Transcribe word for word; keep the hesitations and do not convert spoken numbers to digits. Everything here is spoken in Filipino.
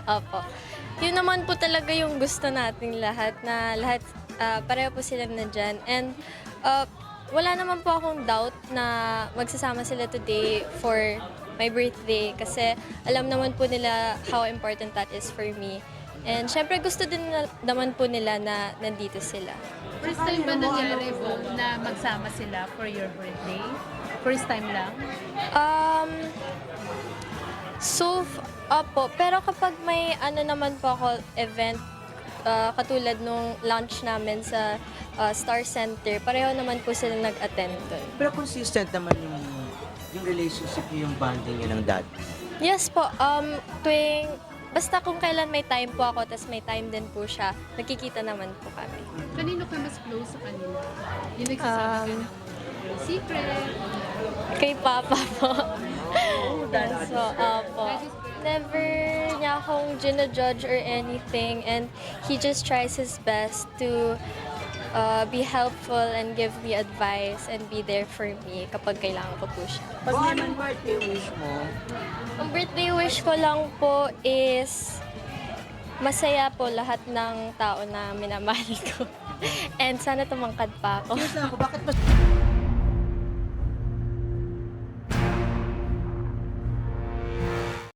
Opo. Yun naman po talaga yung gusto nating lahat na lahat ah, pareho po sila nandyan. And ah, wala naman po akong doubt na magsasama sila today for my birthday kasi alam naman po nila how important that is for me. And syempre gusto din na, naman po nila na nandito sila. First time ba nangyari po na magsama sila for your birthday? First time lang? Um, so, f- opo, pero kapag may ano naman po ako event, ah, katulad nung launch namin sa ah, Star Center, pareho naman po sila nag-attend dun. Pero consistent naman yung yung relationship niyo, yung bonding niyo ng dad. Yes po, um, tuwing, basta kung kailan may time po ako, tas may time din po siya, nagkikita naman po kami. Kanino ka mas close sa kanila? Yung nagsasabi ka Um, ng mga secret? Kay Papa po. Oh, Yes po, opo. Never niya akong ginajudge or anything and he just tries his best to uh, be helpful and give me advice and be there for me kapag kailangan ko po siya. Pag naman birthday wish mo, Ang birthday wish ko lang po is masaya po lahat ng tao na minamahal ko. And sana tumangkad pa ako. serious na ako, bakit mas